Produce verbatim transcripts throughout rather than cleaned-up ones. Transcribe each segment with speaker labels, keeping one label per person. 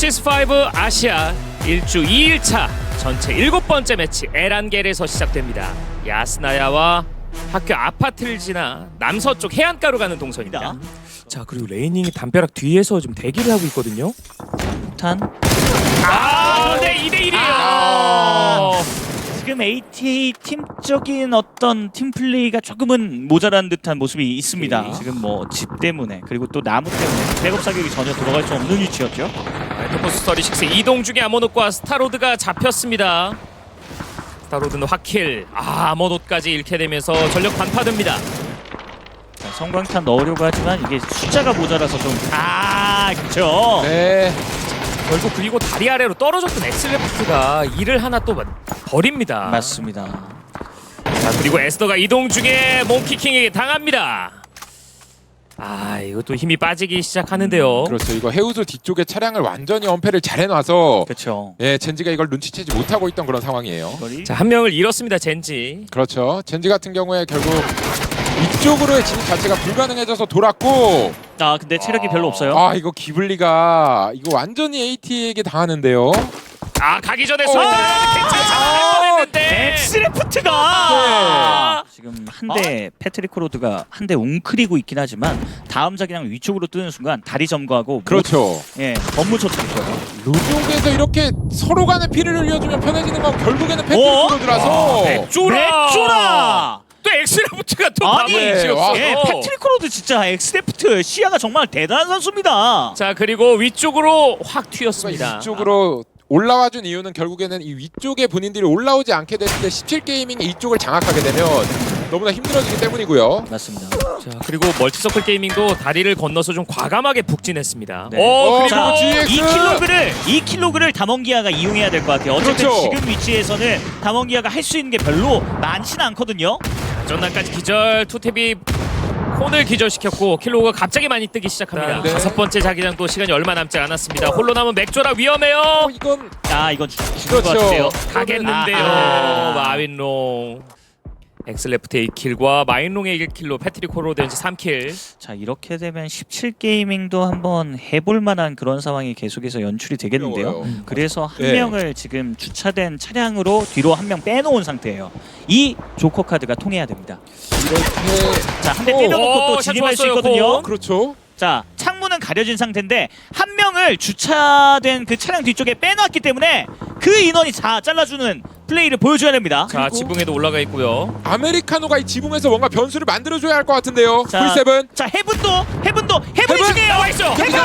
Speaker 1: 넥시스 파이브 아시아 일 주 이 일차 전체 일곱 번째 매치 에란겔에서 시작됩니다. 야스나야와 학교 아파트를 지나 남서쪽 해안가로 가는 동선입니다. 자, 그리고 레이닝이 담벼락 뒤에서 좀 대기를 하고 있거든요.
Speaker 2: 탄.
Speaker 1: 아, 네, 이 대 일이에요.
Speaker 2: 아, 지금 에이티에이 팀적인 어떤 팀 플레이가 조금은 모자란 듯한 모습이 있습니다.
Speaker 1: 오케이.
Speaker 2: 지금 뭐 집 때문에 그리고 또 나무 때문에 백업 사격이 전혀 들어갈 수 없는 위치였죠.
Speaker 1: 알토포스 서티식스 이동 중에 아모노과 스타로드가 잡혔습니다. 스타로드는 확킬. 아, 아모노까지 잃게 되면서 전력 반파됩니다.
Speaker 2: 자, 성광탄 넣으려고 하지만 이게 숫자가 모자라서 좀 아, 그렇죠.
Speaker 3: 네.
Speaker 1: 결국 그리고 다리 아래로 떨어졌던 엑슬레프트가 이를 하나 또 버립니다.
Speaker 2: 맞습니다.
Speaker 1: 자, 그리고 에스더가 이동 중에 몽키킹에게 당합니다. 아, 이것도 힘이 빠지기 시작하는데요.
Speaker 3: 그렇죠. 이거 해우소 뒤쪽에 차량을 완전히 엄폐를 잘 해놔서
Speaker 2: 그렇죠.
Speaker 3: 예, 젠지가 이걸 눈치채지 못하고 있던 그런 상황이에요.
Speaker 2: 거리.
Speaker 1: 자, 한 명을 잃었습니다, 젠지.
Speaker 3: 그렇죠. 젠지 같은 경우에 결국 이쪽으로의 진입 자체가 불가능해져서 돌았고,
Speaker 2: 아, 근데 체력이 별로 없어요.
Speaker 3: 아 이거 기블리가 이거 완전히 에이티에게 당하는데요.
Speaker 1: 아, 가기 전에
Speaker 3: 어.
Speaker 1: 쏠다 괜찮아 뻔했는데.
Speaker 2: 엑스레프트가
Speaker 1: 아.
Speaker 2: 지금 한 대 패트릭 코로드가 한 대 웅크리고 있긴 하지만 다음 자기장 위쪽으로 뜨는 순간 다리 점거하고
Speaker 3: 그렇죠.
Speaker 2: 못, 예, 업무 처치했어요.
Speaker 3: 루족에서 이렇게 서로 간의 피를 흘려주면 편해지는 건 결국에는
Speaker 2: 어?
Speaker 3: 패트릭으로들어서
Speaker 1: 맥조라.
Speaker 2: 맥조라!
Speaker 1: 또 엑스레프트가 또
Speaker 2: 아니,
Speaker 1: 밥을
Speaker 3: 네,
Speaker 1: 지었어.
Speaker 3: 와.
Speaker 2: 예, 패트릭 코로드 진짜 엑스레프트 시야가 정말 대단한 선수입니다.
Speaker 1: 자, 그리고 위쪽으로 확 튀었습니다.
Speaker 3: 이쪽으로 올라와준 이유는 결국에는 이 위쪽에 본인들이 올라오지 않게 됐을 때 십칠 게이밍이 이쪽을 장악하게 되면 너무나 힘들어지기 때문이고요.
Speaker 2: 맞습니다.
Speaker 1: 자, 그리고 멀티서클 게이밍도 다리를 건너서 좀 과감하게 북진했습니다.
Speaker 2: 네.
Speaker 1: 오,
Speaker 3: 어,
Speaker 1: 그리고
Speaker 2: 자,
Speaker 3: 지엑스!
Speaker 2: 이 킬로그를 이 킬로그를 담원기아가 이용해야 될 것 같아요. 어쨌든
Speaker 3: 그렇죠.
Speaker 2: 지금 위치에서는 담원기아가 할 수 있는 게 별로 많지는 않거든요.
Speaker 1: 전난까지 기절, 투탭이 콘을 기절시켰고 킬로가 갑자기 많이 뜨기 시작합니다.
Speaker 3: 네.
Speaker 1: 다섯 번째 자기장도 시간이 얼마 남지 않았습니다. 홀로 남은 맥조라 위험해요.
Speaker 3: 어, 이건
Speaker 2: 아, 이건 죽- 죽을 것
Speaker 3: 그렇죠.
Speaker 2: 같은데요.
Speaker 1: 가겠는데요.
Speaker 2: 아.
Speaker 1: 마윈롱. 엑슬레프트 에이 킬과 마윈롱의 일 킬로 패트릭 호로덴지 삼 킬.
Speaker 2: 자, 이렇게 되면 십칠 게이밍도 한번 해볼 만한 그런 상황이 계속해서 연출이 되겠는데요.
Speaker 3: 어려워요.
Speaker 2: 음, 그래서 한
Speaker 3: 네.
Speaker 2: 명을 지금 주차된 차량으로 뒤로 한 명 빼놓은 상태예요. 이 조커 카드가 통해야 됩니다.
Speaker 3: 이렇게
Speaker 2: 자, 한 대
Speaker 3: 오.
Speaker 2: 때려놓고
Speaker 1: 오,
Speaker 2: 또
Speaker 1: 샷
Speaker 2: 진입할 수
Speaker 1: 좋았어요,
Speaker 2: 있거든요.
Speaker 1: 콘.
Speaker 3: 그렇죠.
Speaker 2: 자, 창문은 가려진 상태인데 한 명을 주차된 그 차량 뒤쪽에 빼놨기 때문에 그 인원이 다 잘라주는 플레이를 보여줘야 됩니다.
Speaker 1: 자, 지붕에도 올라가 있고요.
Speaker 3: 아메리카노가 이 지붕에서 뭔가 변수를 만들어줘야 할 것 같은데요.
Speaker 2: 자,
Speaker 3: 풀세븐.
Speaker 2: 자, 해븐도 해븐도 해븐이
Speaker 3: 해븐!
Speaker 2: 중요해요.
Speaker 1: 나와 있어.
Speaker 2: 해븐!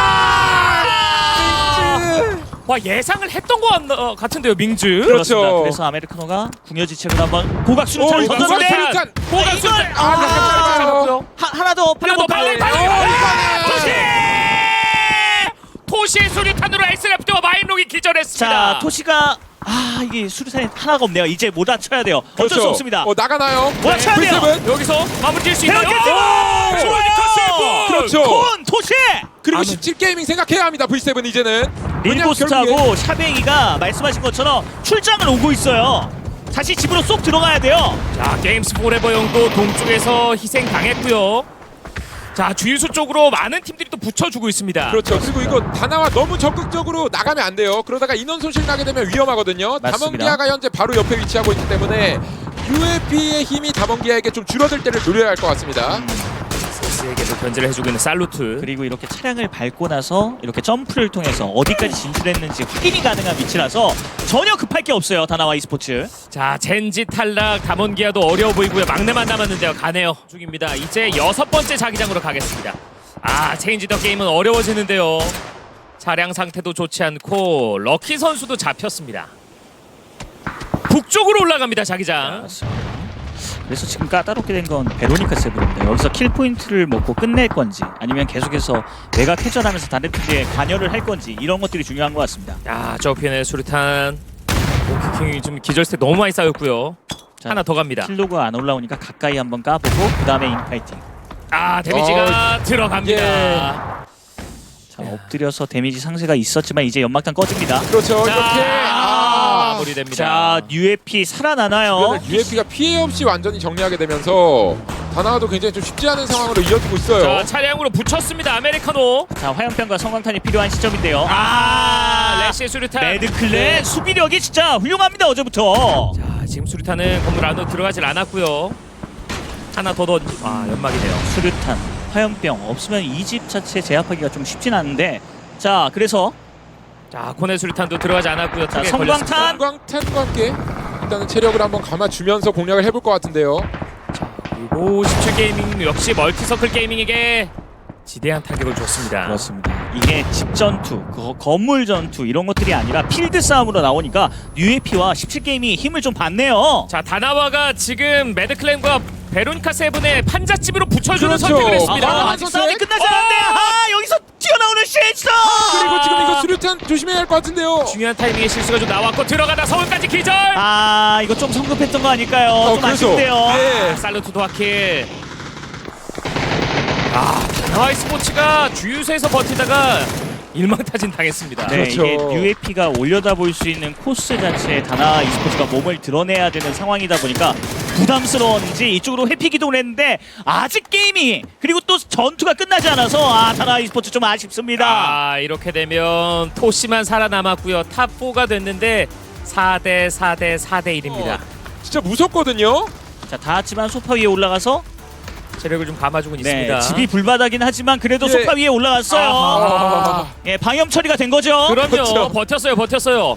Speaker 3: 아!
Speaker 1: 와, 예상을 했던 것 같, 어, 같은데요, 민즈.
Speaker 3: 그렇죠.
Speaker 2: 그렇습니다. 그래서 아메리카노가 궁여지책으로 한번 고각수로
Speaker 3: 오,
Speaker 2: 차를
Speaker 3: 이거
Speaker 2: 던졌는데
Speaker 3: 고각수류탄!
Speaker 1: 고각수를
Speaker 2: 이걸-
Speaker 3: 아,
Speaker 2: 아,
Speaker 3: 잠깐만요.
Speaker 2: 하, 하나 더
Speaker 1: 하나 더 빨리 빨리.
Speaker 3: 오,
Speaker 1: 아,
Speaker 3: 이거는!
Speaker 1: 토시! 토시의 수류탄으로 엑스레프트와 마인롱이 기절했습니다.
Speaker 2: 자, 토시가 아, 이게 수류탄이 하나가 없네요. 이제 몰아쳐야 돼요. 어쩔 수
Speaker 3: 그렇죠.
Speaker 2: 없습니다.
Speaker 3: 어, 나가나요?
Speaker 2: 몰아쳐야 돼요.
Speaker 3: 풀세븐.
Speaker 1: 여기서 마무리 지을 수 있나요?
Speaker 2: 헤어게이트!
Speaker 1: 오! 좋아요.
Speaker 3: 그렇죠.
Speaker 2: 콘 토시!
Speaker 3: 그리고
Speaker 1: 아무-
Speaker 3: 십칠 게이밍 생각해야 합니다. 브이세븐 이제는. 왜냐면 결국에-
Speaker 2: 릴고스트하고 샤뱅이가 말씀하신 것처럼 출장을 오고 있어요. 다시 집으로 쏙 들어가야 돼요.
Speaker 1: 자, 게임스 포레버 형도 동쪽에서 희생 당했고요. 자, 주유소 쪽으로 많은 팀들이 또 붙여주고 있습니다.
Speaker 3: 그렇죠. 그리고 이거 다나와 너무 적극적으로 나가면 안 돼요. 그러다가 인원 손실 나게 되면 위험하거든요.
Speaker 2: 맞습니다.
Speaker 3: 담원기아가 현재 바로 옆에 위치하고 있기 때문에 유에피의 힘이 담원기아에게 좀 줄어들 때를 노려야 할 것 같습니다.
Speaker 1: 세스에게도 견제를 해주고 있는 살루트.
Speaker 2: 그리고 이렇게 차량을 밟고 나서 이렇게 점프를 통해서 어디까지 진출했는지 확인이 가능한 위치라서 전혀 급할 게 없어요. 다나와 e스포츠.
Speaker 1: 자, 젠지 탈락, 담원기아도 어려워 보이고요. 막내만 남았는데요. 가네요. 중입니다. 이제 여섯 번째 자기장으로 가겠습니다. 아, 체인지 더 게임은 어려워지는데요. 차량 상태도 좋지 않고 럭키 선수도 잡혔습니다. 북쪽으로 올라갑니다, 자기장.
Speaker 2: 그래서 지금 까다롭게 된 건 베로니카 세븐입니다. 여기서 킬 포인트를 먹고 끝낼 건지 아니면 계속해서 외곽 회전하면서 다른 팀에 관여를 할 건지 이런 것들이 중요한 것 같습니다.
Speaker 1: 야, 저피엔의 수류탄. 오키킹이 좀 기절 스택 너무 많이 쌓였고요.
Speaker 2: 자,
Speaker 1: 하나 더 갑니다.
Speaker 2: 킬로가 안 올라오니까 가까이 한번 까보고 그 다음에 인파이팅.
Speaker 1: 아, 데미지가 들어갑니다.
Speaker 2: 자, 엎드려서 데미지 상세가 있었지만 이제 연막탄 꺼집니다.
Speaker 3: 그렇죠.
Speaker 1: 자,
Speaker 3: 이렇게 아,
Speaker 1: 마무리됩니다.
Speaker 2: 자, 유에피 살아나나요?
Speaker 3: 유에피가 피해 없이 완전히 정리하게 되면서 다나와도 굉장히 좀 쉽지 않은 상황으로 이어지고 있어요.
Speaker 1: 자, 차량으로 붙였습니다. 아메리카노.
Speaker 2: 자, 화염병과 성광탄이 필요한 시점인데요.
Speaker 1: 아, 레시의 수류탄.
Speaker 2: 매드클랜 수비력이 진짜 훌륭합니다 어제부터.
Speaker 1: 자, 지금 수류탄은 건물 안으로 들어가질 않았고요. 하나 더 던. 아, 연막이네요.
Speaker 2: 수류탄, 화염병 없으면 이 집 자체 제압하기가 좀 쉽진 않은데. 자, 그래서
Speaker 1: 자, 코네 수류탄도 들어가지 않았고요.
Speaker 2: 자,
Speaker 1: 턱에
Speaker 2: 성광탄!
Speaker 1: 걸렸습니다.
Speaker 3: 성광탄과 함께 일단은 체력을 한번 감아주면서 공략을 해볼 것 같은데요.
Speaker 1: 그리고 십칠 게이밍 역시 멀티서클 게이밍에게 지대한 타격을 줬습니다.
Speaker 2: 그렇습니다. 이게 집 전투, 그 건물 전투 이런 것들이 아니라 필드 싸움으로 나오니까 유에이피와 십칠 게임이 힘을 좀 받네요.
Speaker 1: 자, 다나와가 지금 매드클랜과 베로니카 세븐의 판잣집으로 붙여주는
Speaker 3: 그렇죠.
Speaker 1: 선택을 했습니다.
Speaker 3: 아,
Speaker 2: 아, 아직 싸움이 끝나지 않았는데
Speaker 1: 어!
Speaker 2: 아 여기서 튀어나오는 쉐이스.
Speaker 3: 그리고 지금 이거 수류탄 조심해야 할 것 같은데요.
Speaker 1: 중요한 타이밍에 실수가 좀 나왔고 들어가다 서울까지 기절.
Speaker 2: 아 이거 좀 성급했던 거 아닐까요?
Speaker 3: 어,
Speaker 2: 좀
Speaker 3: 그래서,
Speaker 2: 아쉽네요.
Speaker 3: 네.
Speaker 1: 아, 살루트 도하킬. 아, 다나와이 스포츠가 주유소에서 버티다가 일망타진 당했습니다.
Speaker 2: 네,
Speaker 3: 그렇죠.
Speaker 2: 이게 유에이피가 올려다 볼 수 있는 코스 자체에 다나 e스포츠가 몸을 드러내야 되는 상황이다 보니까 부담스러웠는지 이쪽으로 회피 기동을 했는데 아직 게임이 그리고 또 전투가 끝나지 않아서 아 다나 e스포츠 좀 아쉽습니다.
Speaker 1: 아, 이렇게 되면 토시만 살아남았고요. 탑 사가 됐는데 사 대 사 대 사 대 일입니다.
Speaker 3: 진짜 무섭거든요.
Speaker 2: 자, 다 같지만 소파 위에 올라가서
Speaker 1: 체력을 좀 감아주고
Speaker 2: 네,
Speaker 1: 있습니다.
Speaker 2: 집이 불바다긴 하지만 그래도
Speaker 3: 예.
Speaker 2: 소파 위에 올라갔어요.
Speaker 3: 아.
Speaker 2: 예, 방염 처리가 된 거죠.
Speaker 1: 그럼요.
Speaker 3: 그렇죠.
Speaker 1: 버텼어요. 버텼어요.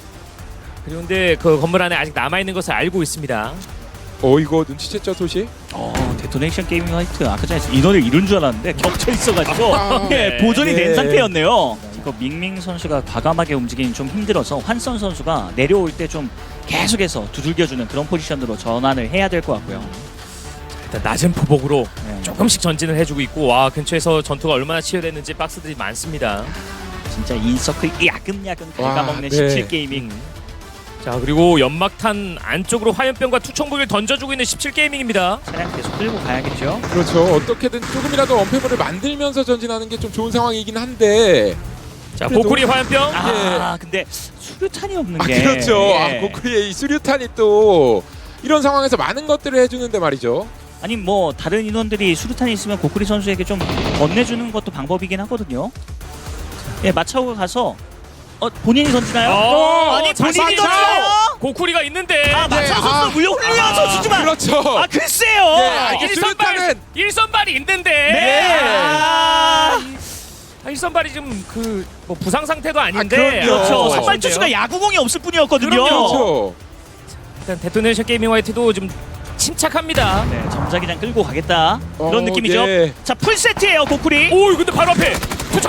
Speaker 1: 그런데 그 건물 안에 아직 남아있는 것을 알고 있습니다.
Speaker 3: 어 이거 눈치챘죠 토시?
Speaker 2: 어, 데토네이션 게이밍 화이트 아까 전에 인원을 이룬 줄 알았는데 겹쳐 있어가지고
Speaker 3: 아,
Speaker 2: 예,
Speaker 1: 네.
Speaker 2: 보존이 된
Speaker 3: 네.
Speaker 2: 상태였네요. 이거 밍밍 선수가 과감하게 움직이긴 좀 힘들어서 환선 선수가 내려올 때 좀 계속해서 두들겨주는 그런 포지션으로 전환을 해야 될 것 같고요.
Speaker 1: 일단 낮은 포복으로
Speaker 2: 네.
Speaker 1: 조금씩 전진을 해주고 있고 와 근처에서 전투가 얼마나 치열했는지 박스들이 많습니다.
Speaker 2: 진짜 인서클 야금야금
Speaker 3: 와,
Speaker 2: 갉아먹는
Speaker 3: 네.
Speaker 2: 십칠 게이밍.
Speaker 1: 자, 그리고 연막탄 안쪽으로 화염병과 투척무기를 던져주고 있는 십칠 게이밍입니다.
Speaker 2: 차량 계속 끌고 가야겠죠.
Speaker 3: 그렇죠. 어떻게든 조금이라도 언패물을 만들면서 전진하는 게 좀 좋은 상황이긴 한데.
Speaker 1: 자,
Speaker 3: 그래도-
Speaker 1: 고쿠리 화염병.
Speaker 2: 아 근데 수류탄이 없는
Speaker 3: 아
Speaker 2: 게
Speaker 3: 그렇죠.
Speaker 2: 예.
Speaker 3: 아 고쿠리의 이 수류탄이 또 이런 상황에서 많은 것들을 해주는데 말이죠.
Speaker 2: 아니 뭐 다른 인원들이 수류탄이 있으면 고쿠리 선수에게 좀 건네주는 것도 방법이긴 하거든요. 예, 마차오가 가서 어 본인이 던지나요?
Speaker 1: 어,
Speaker 2: 아니
Speaker 1: 자,
Speaker 2: 본인이
Speaker 1: 마차오!
Speaker 2: 던져요?
Speaker 1: 고쿠리가 있는데.
Speaker 2: 아 마차오 선수
Speaker 3: 아,
Speaker 2: 물론 훌륭한
Speaker 1: 아,
Speaker 2: 선수지만
Speaker 3: 그렇죠.
Speaker 2: 아 글쎄요.
Speaker 3: 네, 아, 이게
Speaker 1: 일선발
Speaker 3: 수류탄은-
Speaker 1: 일선발이 있는데.
Speaker 2: 네. 아,
Speaker 1: 아, 일선발이 좀 그 뭐 부상 상태도 아닌데.
Speaker 3: 아, 그럼요.
Speaker 2: 그렇죠.
Speaker 3: 어,
Speaker 2: 선발 투수가 야구공이 없을 뿐이었거든요.
Speaker 1: 그럼요.
Speaker 3: 그렇죠.
Speaker 1: 일단 데토네이션 게이밍 화이트도 좀 침착합니다.
Speaker 2: 네, 점자기장 끌고 가겠다 그런
Speaker 3: 어,
Speaker 2: 느낌이죠.
Speaker 3: 네.
Speaker 2: 자 풀세트예요 고쿠리.
Speaker 1: 오, 근데 바로 앞에 투척.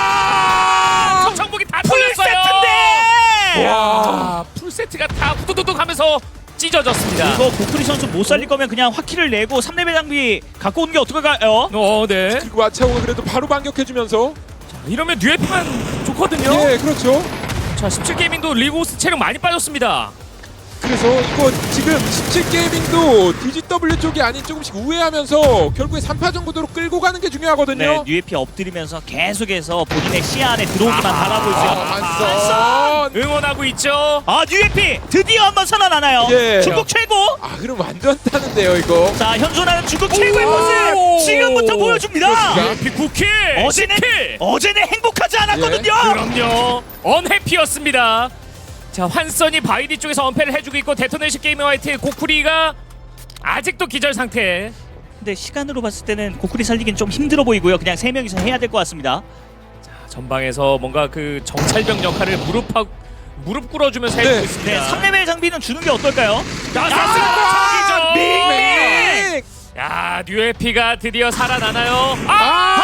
Speaker 1: 아! 투척복이 다 뚫렸어요.
Speaker 2: 풀세트인데.
Speaker 3: 와.
Speaker 1: 풀 세트가 다 후두두둑 하면서 찢어졌습니다.
Speaker 2: 이거 고쿠리 선수 못 살릴 거면 그냥 화키를 내고 삼 레벨 장비 갖고 오는 게 어떨까요?
Speaker 1: 어, 네.
Speaker 3: 그리고 마차오가 그래도 바로 반격해주면서.
Speaker 1: 이러면 뉴에피만 좋거든요.
Speaker 3: 예, 그렇죠.
Speaker 1: 자, 십칠 게이밍도 리고스 체력 많이 빠졌습니다.
Speaker 3: 그래서 이거 지금 십칠 게이밍도 디지더블유 쪽이 아닌 조금씩 우회하면서 결국에 삼 파전 구도로 끌고 가는 게
Speaker 2: 네,
Speaker 3: 중요하거든요.
Speaker 2: 뉴에피 엎드리면서 계속해서 본인의 시야 안에 들어오기만
Speaker 1: 아,
Speaker 2: 바라볼 수 있는
Speaker 3: 아, 한선.
Speaker 1: 응원하고 있죠.
Speaker 2: 아 뉴에피 드디어 한번 살아나나요?
Speaker 3: 예.
Speaker 2: 중국 최고.
Speaker 3: 아, 그럼 완전 타는데요, 이거.
Speaker 2: 자 현존하는 중국 최고의
Speaker 1: 오!
Speaker 2: 모습 지금부터 보여줍니다.
Speaker 3: 그렇습니다.
Speaker 1: 뉴에피 구 킬.
Speaker 2: 어제는
Speaker 1: 십 킬.
Speaker 2: 어제는 행복하지 않았거든요.
Speaker 1: 그럼요. 언해피였습니다. 자, 환선이 바이디 쪽에서 언패를 해주고 있고 데토네이션 게이밍 화이트 고쿠리가 아직도 기절 상태.
Speaker 2: 근데 시간으로 봤을 때는 고쿠리 살리긴 좀 힘들어 보이고요. 그냥 세 명이서 해야 될 것 같습니다.
Speaker 1: 전방에서 뭔가 그 정찰병 역할을 무릎하 무릎 꿇어주면서
Speaker 3: 네.
Speaker 1: 해주고 있습니다.
Speaker 2: 네, 삼 레벨 장비는 주는 게 어떨까요?
Speaker 1: 야,
Speaker 2: 아,
Speaker 1: 밍!
Speaker 3: 밍!
Speaker 1: 야, 뉴에피가 드디어 살아나나요? 아!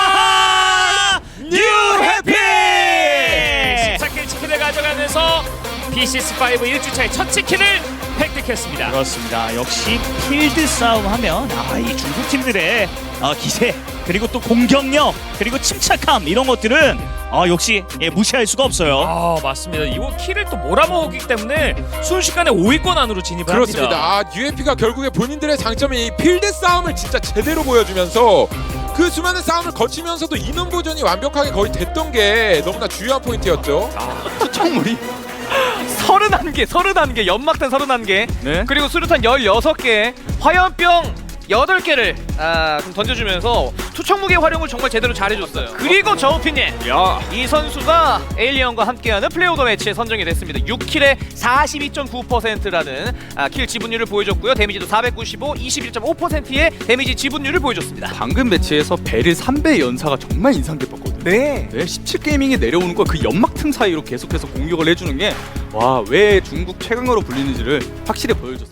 Speaker 3: 아!
Speaker 2: 뉴해피!
Speaker 1: 십사 킬 치킨을 가져가면서 피시에스 오 일 주차의 첫 치킨을 획득했습니다.
Speaker 2: 그렇습니다. 역시 필드 싸움 하면 아, 이 중국 팀들의 어, 기세 그리고 또 공격력 그리고 침착함 이런 것들은 어, 역시 예, 무시할 수가 없어요.
Speaker 1: 아, 맞습니다. 이거 킬을 또 몰아먹기 때문에 순식간에 오 위권 안으로 진입을
Speaker 3: 그렇습니다.
Speaker 1: 합니다.
Speaker 3: 아, 유에피가 결국에 본인들의 장점이 이 필드 싸움을 진짜 제대로 보여주면서 그 수많은 싸움을 거치면서도 인원 보존이 완벽하게 거의 됐던 게 너무나 중요한 포인트였죠.
Speaker 4: 투척물이 서른한 개, 서른한 개, 연막탄 서른한 개,
Speaker 2: 네.
Speaker 4: 그리고 수류탄 열여섯 개, 화염병 여덟 개를 아, 좀 던져주면서 투척 무게 활용을 정말 제대로 잘해줬어요. 그리고 저우핀님,
Speaker 5: 야,
Speaker 4: 이 선수가 에일리언과 함께하는 플레이 오더 매치에 선정이 됐습니다. 육 킬에 사십이 점 구 퍼센트라는 아, 킬 지분율을 보여줬고요. 데미지도 사백구십오, 이십일 점 오 퍼센트의 데미지 지분율을 보여줬습니다.
Speaker 5: 방금 매치에서 베릴 삼 배 연사가 정말 인상 깊었거든요.
Speaker 4: 네.
Speaker 5: 네, 십칠 게이밍에 내려오는 거 그 연막 틈 사이로 계속해서 공격을 해주는 게 와, 왜 중국 최강으로 불리는지를 확실히 보여줬어요.